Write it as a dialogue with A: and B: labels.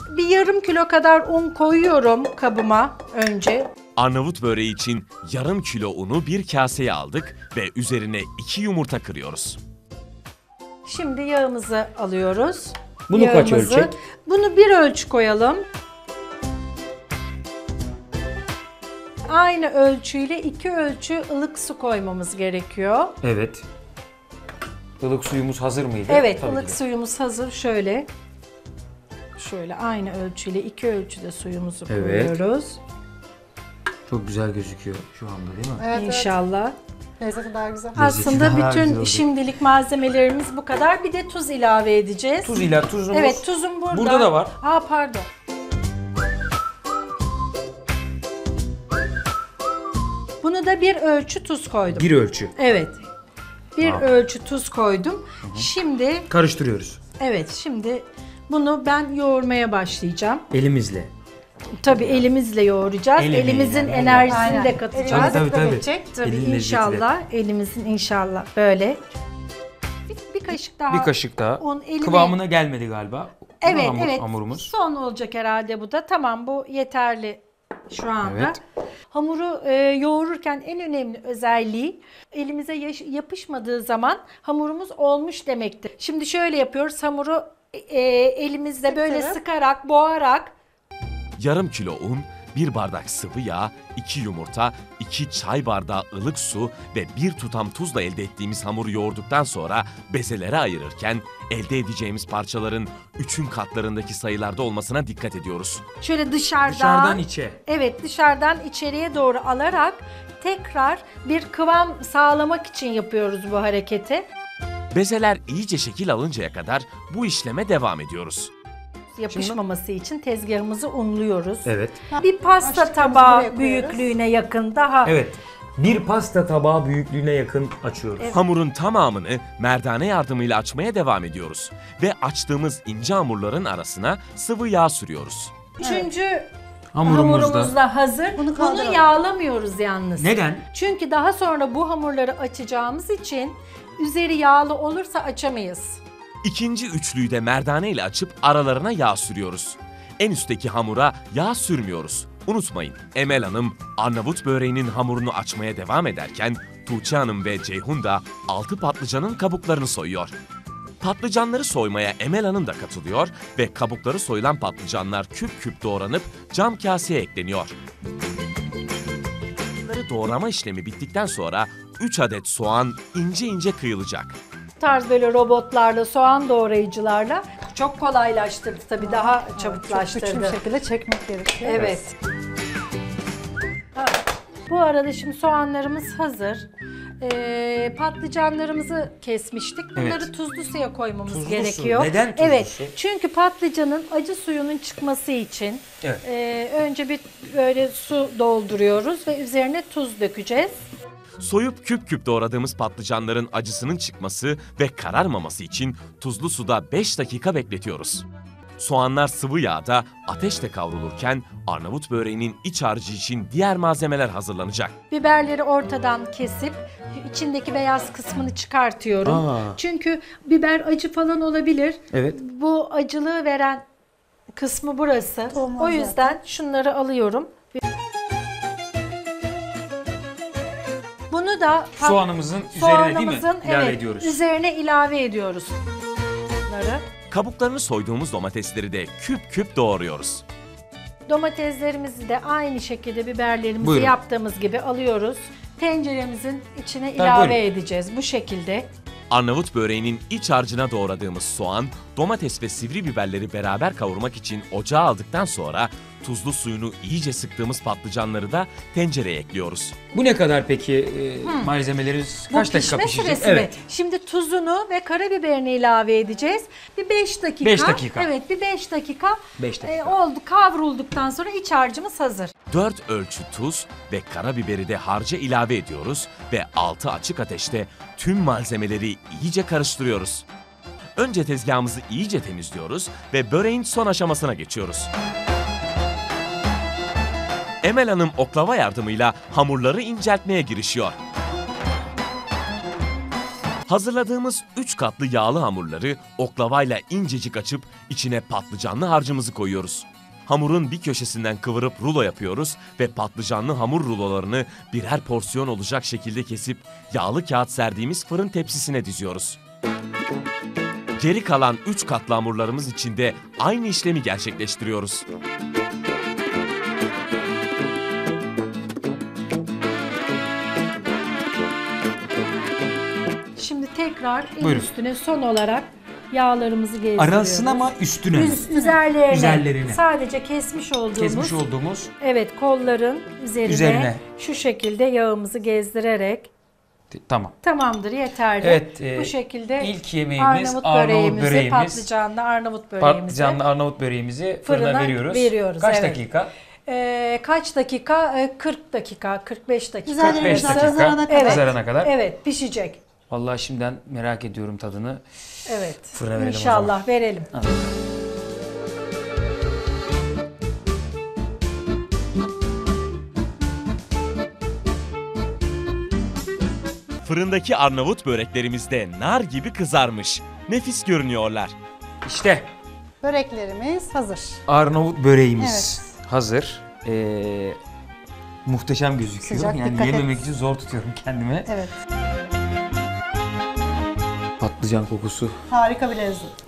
A: Bir yarım kilo kadar un koyuyorum kabıma önce.
B: Arnavut böreği için yarım kilo unu bir kaseye aldık ve üzerine 2 yumurta kırıyoruz.
A: Şimdi yağımızı alıyoruz.
C: Bunu kaç ölçek?
A: Bunu bir ölçü koyalım. Aynı ölçüyle 2 ölçü ılık su koymamız gerekiyor.
C: Evet. Ilık suyumuz hazır mıydı?
A: Evet,
C: Tabii
A: ılık
C: ki de.
A: suyumuz hazır. Şöyle aynı ölçüyle 2 ölçüde suyumuzu
C: Evet.
A: koyuyoruz.
C: Çok güzel gözüküyor şu anda değil mi?
D: Evet,
A: İnşallah.
D: Lezzeti daha güzel.
A: Aslında
C: daha güzel
A: bütün
C: oldu.
A: şimdilik malzemelerimiz bu kadar. Bir de tuz ilave edeceğiz.
C: Tuzumuz.
A: Evet, tuzum burada.
C: Burada da var.
A: Pardon. Bunu da bir ölçü tuz koydum.
C: Bir ölçü.
A: Evet. Bir
C: Tamam.
A: ölçü tuz koydum. Şimdi
C: Karıştırıyoruz.
A: şimdi bunu ben yoğurmaya başlayacağım.
C: Elimizle.
A: Tabii elimizle yoğuracağız.
C: El emeği
A: Elimizin
C: yani.
A: enerjisini
D: Aynen.
A: de katacağız.
D: Elimiz
C: Tabii,
D: de
C: tabii.
D: geçecek.
A: Tabii
C: Elin
A: inşallah. Elimizin inşallah böyle. Bir kaşık daha.
C: Bir kaşık daha.
A: Un elime.
C: Kıvamına gelmedi galiba. Değil mi
A: Evet.
C: Hamurumuz.
A: Son olacak herhalde bu da. Tamam, bu yeterli şu anda.
C: Evet.
A: Hamuru yoğururken en önemli özelliği elimize yapışmadığı zaman hamurumuz olmuş demektir. Şimdi şöyle yapıyoruz. Hamuru elimizde böyle sıkarak, boğarak.
B: Yarım kilo un, 1 bardak sıvı yağ, 2 yumurta, 2 çay bardağı ılık su ve 1 tutam tuzla elde ettiğimiz hamuru yoğurduktan sonra bezelere ayırırken elde edeceğimiz parçaların 3'ün katlarındaki sayılarda olmasına dikkat ediyoruz.
A: Şöyle
C: Dışarıdan içe.
A: Evet, dışarıdan içeriye doğru alarak tekrar bir kıvam sağlamak için yapıyoruz bu hareketi.
B: Bezeler iyice şekil alıncaya kadar bu işleme devam ediyoruz.
A: Yapışmaması için tezgahımızı unluyoruz.
C: Evet.
A: Bir pasta
D: Açtıklarımızı
A: tabağı
D: buraya koyuyoruz.
A: büyüklüğüne yakın daha.
C: Evet. Bir pasta tabağı büyüklüğüne yakın açıyoruz.
B: Hamurun tamamını merdane yardımıyla açmaya devam ediyoruz. Ve açtığımız ince hamurların arasına sıvı yağ sürüyoruz.
A: Üçüncü
C: Hamurumuz
A: hamurumuz
C: da.
A: da hazır.
D: Bunu
A: Bunu
D: kaldıralım.
A: yağlamıyoruz yalnız.
C: Neden?
A: Çünkü daha sonra bu hamurları açacağımız için üzeri yağlı olursa açamayız.
B: İkinci üçlüyü de merdane ile açıp aralarına yağ sürüyoruz. En üstteki hamura yağ sürmüyoruz. Unutmayın, Emel Hanım Arnavut böreğinin hamurunu açmaya devam ederken Tuğçe Hanım ve Ceyhun da 6 patlıcanın kabuklarını soyuyor. Patlıcanları soymaya Emel Hanım da katılıyor ve kabukları soyulan patlıcanlar küp küp doğranıp cam kaseye ekleniyor. Bunları doğrama işlemi bittikten sonra 3 adet soğan ince ince kıyılacak.
A: Bu tarz böyle robotlarla, soğan doğrayıcılarla çok kolaylaştırdı tabii, daha
D: Çok
A: çabuklaştırdı.
D: güçlü bir şekilde çekmek gerekiyor.
A: Evet. Bu arada şimdi soğanlarımız hazır. Patlıcanlarımızı kesmiştik. Bunları
C: Evet.
A: tuzlu suya koymamız
C: Tuzlu su.
A: gerekiyor.
C: Neden tuzlu
A: evet,
C: su?
A: çünkü patlıcanın acı suyunun çıkması için
C: Evet.
A: önce bir böyle su dolduruyoruz ve üzerine tuz dökeceğiz.
B: Soyup küp küp doğradığımız patlıcanların acısının çıkması ve kararmaması için tuzlu suda 5 dakika bekletiyoruz. Soğanlar sıvı yağda ateşte kavrulurken Arnavut böreğinin iç harcı için diğer malzemeler hazırlanacak.
A: Biberleri ortadan kesip içindeki beyaz kısmını çıkartıyorum. Çünkü biber acı falan olabilir.
C: Evet.
A: Bu acılığı veren kısmı burası.
D: Olmaz
A: O yüzden şunları alıyorum. Bunu da
C: Soğanımızın üzerine değil mi?
A: soğanımızın,
C: İlave
A: evet,
C: ediyoruz.
A: üzerine ilave ediyoruz. Bunları.
B: Kabuklarını soyduğumuz domatesleri de küp küp doğruyoruz.
A: Domateslerimizi de aynı şekilde biberlerimizi
C: Buyurun.
A: yaptığımız gibi alıyoruz. Tenceremizin içine
C: Tabii,
A: ilave
C: buyurun.
A: edeceğiz bu şekilde.
B: Arnavut böreğinin iç harcına doğradığımız soğan, domates ve sivri biberleri beraber kavurmak için ocağa aldıktan sonra tuzlu suyunu iyice sıktığımız patlıcanları da tencereye ekliyoruz.
C: Bu ne kadar peki malzemelerimiz? Kaç
A: Bu
C: dakika
A: pişme
C: pişecek?
A: süresi mi? Şimdi tuzunu ve karabiberini ilave edeceğiz. Bir 5 dakika.
C: 5 dakika.
A: Evet, bir 5 dakika.
C: 5 dakika.
A: Oldu, kavrulduktan sonra iç harcımız hazır.
B: 4 ölçü tuz ve karabiberi de harca ilave ediyoruz ve altı açık ateşte tüm malzemeleri iyice karıştırıyoruz. Önce tezgahımızı iyice temizliyoruz ve böreğin son aşamasına geçiyoruz. Emel Hanım oklava yardımıyla hamurları inceltmeye girişiyor. Hazırladığımız 3 katlı yağlı hamurları oklavayla incecik açıp içine patlıcanlı harcımızı koyuyoruz. Hamurun bir köşesinden kıvırıp rulo yapıyoruz ve patlıcanlı hamur rulolarını birer porsiyon olacak şekilde kesip yağlı kağıt serdiğimiz fırın tepsisine diziyoruz. Geri kalan 3 katlı hamurlarımız için de aynı işlemi gerçekleştiriyoruz.
A: Şimdi tekrar en
C: Buyurun.
A: üstüne son olarak yağlarımızı gezdiriyoruz.
C: Arasına ama üstüne mi?
A: Üzerlerine.
C: Üzerlerine.
A: Sadece kesmiş olduğumuz.
C: Evet,
A: kolların üzerine şu şekilde yağımızı gezdirerek
C: tamam.
A: tamamdır, yeterli.
C: Evet,
A: bu şekilde
C: ilk yemeğimiz Arnavut böreğimiz.
A: patlıcanlı Arnavut böreğimizi
C: Patlıcanlı Arnavut böreğimizi fırına
A: fırına
C: veriyoruz. Kaç
A: evet.
C: dakika?
A: Kaç dakika? 40 dakika, 45 dakika.
D: Üzerlerine
C: 45 dakika.
D: kızarana kadar.
A: Evet.
C: Kızarana kadar.
A: Evet, pişecek.
C: Vallahi şimdiden merak ediyorum tadını.
A: Evet.
C: Fırına verelim o
A: İnşallah
C: zaman.
A: verelim.
B: Fırındaki Arnavut böreklerimiz de nar gibi kızarmış. Nefis görünüyorlar.
C: İşte
D: Böreklerimiz hazır.
C: Arnavut böreğimiz hazır. Muhteşem gözüküyor.
D: Sıcak,
C: yani
D: dikkat et.
C: yememek için zor tutuyorum kendimi.
D: Evet.
C: Patlıcan kokusu.
D: Harika bir lezzet.